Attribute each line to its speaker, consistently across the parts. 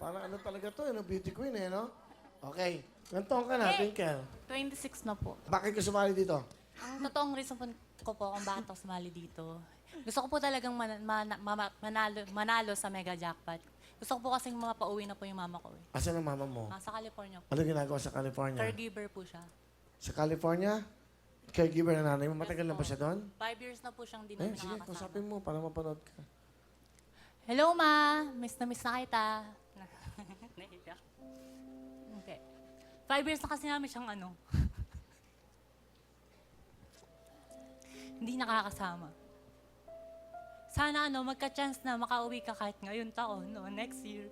Speaker 1: Parang ano talaga to, ano, beauty queen eh, no? Okay. Ilang taon ka na, Twinkle?
Speaker 2: 26 na po.
Speaker 1: Bakit ka sumali dito?
Speaker 2: Ang totoong reason ko po kung bakit ako sumali dito, gusto ko po talagang manalo sa mega jackpot. Gusto ko po kasing mapauwi na po yung mama ko.
Speaker 1: Asan ang mama mo?
Speaker 2: Sa California po.
Speaker 1: Ano ginagawa sa California?
Speaker 2: Caregiver po siya.
Speaker 1: Sa California? Caregiver na nanay mo? Matagal na ba siya doon?
Speaker 2: 5 years na po siyang di
Speaker 1: Eh,
Speaker 2: namin
Speaker 1: sige,
Speaker 2: nakakasama.
Speaker 1: kusapin mo para mapanood ka.
Speaker 2: Hello, Ma. Miss na kita. Nahiya. Okay. 5 years na kasi namin siyang hindi nakakasama. Sana magka-chance na makauwi ka kahit ngayon taon, next year.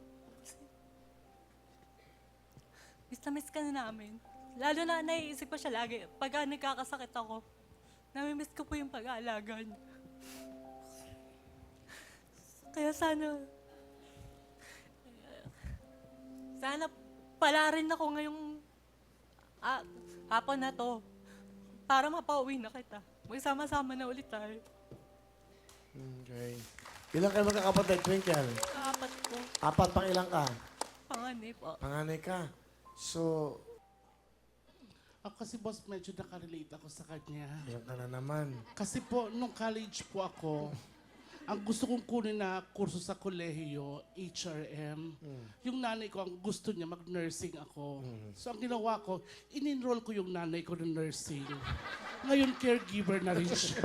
Speaker 2: Miss na miss ka na namin. Lalo na naiisip ko siya lagi. Pag nagkakasakit ako, namimiss ko po yung pag-aalaga niya. Kaya sana pala rin ako ngayong hapon na to para mapauwi na kita. Magsama-sama na ulit tayo.
Speaker 1: Okay. Ilang kayo magkakapatid, Twinkle?
Speaker 2: Apat po.
Speaker 1: 4 pang ilang ka?
Speaker 2: Panganay po.
Speaker 1: Panganay ka. So,
Speaker 3: Ako kasi boss, medyo nakarelate ako sa kanya.
Speaker 1: ilang ka na naman.
Speaker 3: Kasi po, nung college po ako, ang gusto kong kunin na kurso sa kolehiyo, HRM. Yung nanay ko, ang gusto niya, mag-nursing ako. So ang ginawa ko, in-enroll ko yung nanay ko ng nursing. Ngayon, caregiver na rin siya.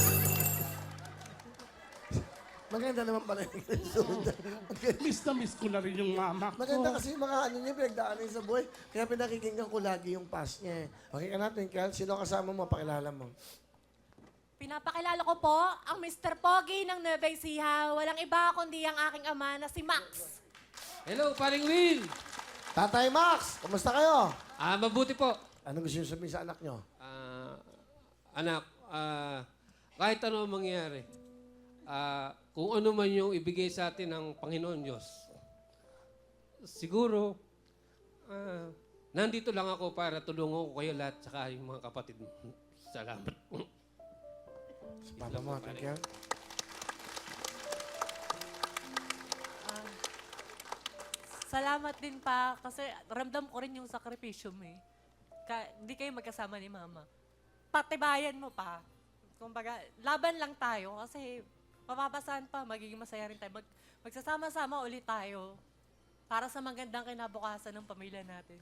Speaker 1: Maganda naman pala yung resulta.
Speaker 3: Miss na miss ko na rin yung mama ko.
Speaker 1: Maganda kasi yung mga niya, pinagdaanan sa buhay. Kaya pinakikinggan ko lagi yung past niya eh. Okay ka na, Twinkle? Sino kasama mo? Pakilala mo.
Speaker 4: Pinapakilala ko po ang Mr. Pogi ng Nueva Ecija. Walang iba kundi ang aking ama na si Max.
Speaker 5: Hello, paring Will!
Speaker 1: Tatay Max, kumusta kayo?
Speaker 5: Mabuti po.
Speaker 1: Ano gusto niyo sabihin sa anak niyo?
Speaker 5: Anak, kahit ano ang mangyari, kung ano man yung ibigay sa atin ng Panginoon Diyos, siguro, nandito lang ako para tulungan ko kayo lahat, saka yung mga kapatid. Salamat.
Speaker 1: Papa mo, Twinkle?
Speaker 4: Salamat din pa kasi ramdam ko rin yung sakripisyo mo eh. Hindi kayo magkasama ni Mama. Patibayan mo pa. Kumbaga, laban lang tayo kasi mapapasahan pa, magiging masaya rin tayo. Magsasama-sama ulit tayo para sa magandang kinabukasan ng pamilya natin.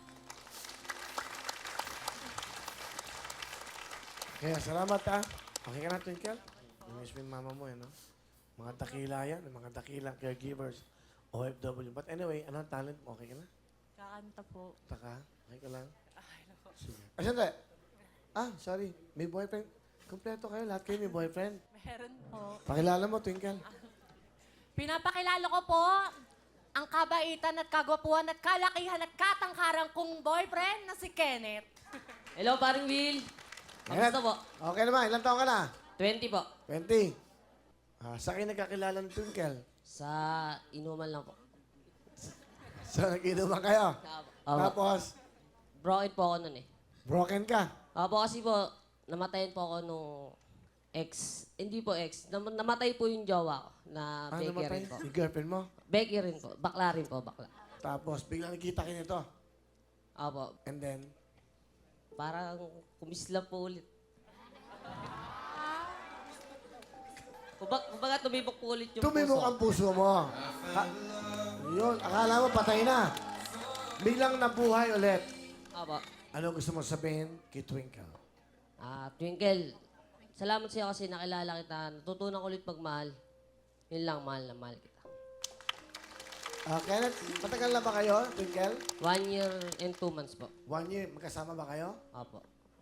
Speaker 1: Kaya salamat ha. Okay ka na, Twinkle? Namiss mo yung mama mo, no? Mga dakila yan, mga dakilang caregivers, OFW. But anyway, anong talent mo? Okay ka na?
Speaker 4: Kakanta po.
Speaker 1: Taka? Okay ka lang? Sige. Sandali. Sorry. May boyfriend. Kompleto kayo. Lahat kayo may boyfriend.
Speaker 4: Meron po.
Speaker 1: Pakilala mo, Twinkle.
Speaker 4: Pinapakilala ko po ang kabaitan at kagwapuan at kalakihan at katangkarang kong boyfriend na si Kenneth.
Speaker 6: Hello, paring Will. Kamusta po?
Speaker 1: Okay naman. Ilang taon ka na?
Speaker 6: 20 po.
Speaker 1: 20. Sa kayo nagkakilala ng Twinkle?
Speaker 6: Sa inuman lang po.
Speaker 1: So, nag-inuman kayo?
Speaker 6: Opo.
Speaker 1: Tapos,
Speaker 6: Broken po ako nun eh.
Speaker 1: broken ka?
Speaker 6: Opo, kasi po, namatayin po ako nung ex. Hindi po ex. Namatay po yung jowa ko na Becky
Speaker 1: namatay?
Speaker 6: rin po.
Speaker 1: Yung girlfriend mo?
Speaker 6: Becky rin po. Bakla rin po, bakla.
Speaker 1: Tapos, biglang nakita kayo nito.
Speaker 6: Opo.
Speaker 1: And then,
Speaker 6: Parang kumisla po ulit. Kumbaga tumibok po ulit yung
Speaker 1: tumimok
Speaker 6: puso.
Speaker 1: ang puso mo. Yun, akala mo patay na. Biglang nabuhay ulit.
Speaker 6: Opo.
Speaker 1: Ano gusto mo sabihin kay Twinkle?
Speaker 6: Twinkle, salamat sa'yo kasi nakilala kita. Natutunan ko ulit pagmahal. Yun lang, mahal na mahal kita.
Speaker 1: Kenneth, matagal na ba kayo, Twinkle?
Speaker 6: 1 year and 2 months po.
Speaker 1: 1 year, magkasama ba kayo?
Speaker 6: Opo.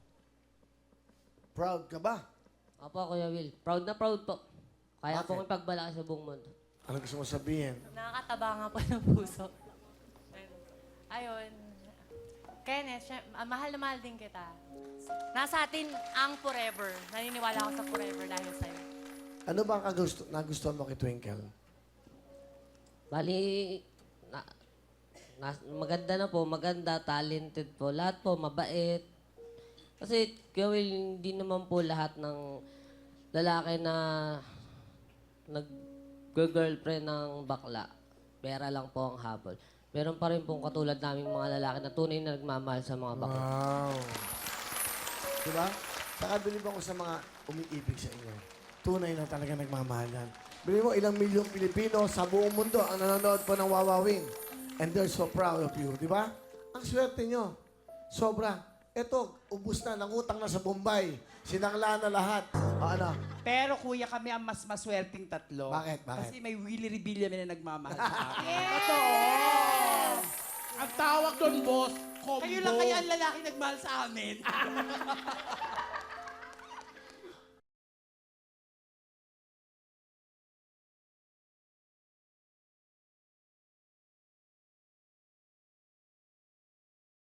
Speaker 1: Proud ka ba?
Speaker 6: Opo, Kuya Will. Proud na proud po. Kaya po
Speaker 1: Bakit?
Speaker 6: kong pagbalaki sa buong mundo.
Speaker 1: Ano gusto mo sabihin?
Speaker 4: Nakakataba nga po ng puso. Ayun. Kenneth, mahal na mahal din kita. Nasa atin ang forever. Naniniwala ako sa forever dahil sa'yo.
Speaker 1: Ano ba ang nagustuhan mo kay Twinkle?
Speaker 6: Bali, maganda na po. Maganda, talented po. Lahat po, mabait. Kasi, Kuya Will, hindi naman po lahat ng lalaki na nag-girlfriend ng bakla pera lang po ang habol. Meron pa rin pong katulad naming mga lalaki na tunay na nagmamahal sa mga bakla.
Speaker 1: Wow. Diba? Saka bilib ako sa mga umiibig sa inyo. Tunay na talaga nagmamahalan. Bilib mo, ilang milyong Pilipino sa buong mundo ang nanonood po ng Wawawin. And they're so proud of you. Diba? Ang swerte nyo. Sobra. Eto, ubus na, nangutang na sa Bombay. Sinangla na lahat. O ano?
Speaker 7: Pero kuya, kami ang mas maswerteng tatlo.
Speaker 1: Bakit? Bakit?
Speaker 7: Kasi may Willie Rebilla na nagmamahal sa akin.
Speaker 3: Ang tawag doon, boss, combo.
Speaker 7: Kayo lang kaya ang lalaki nagmahal sa amin.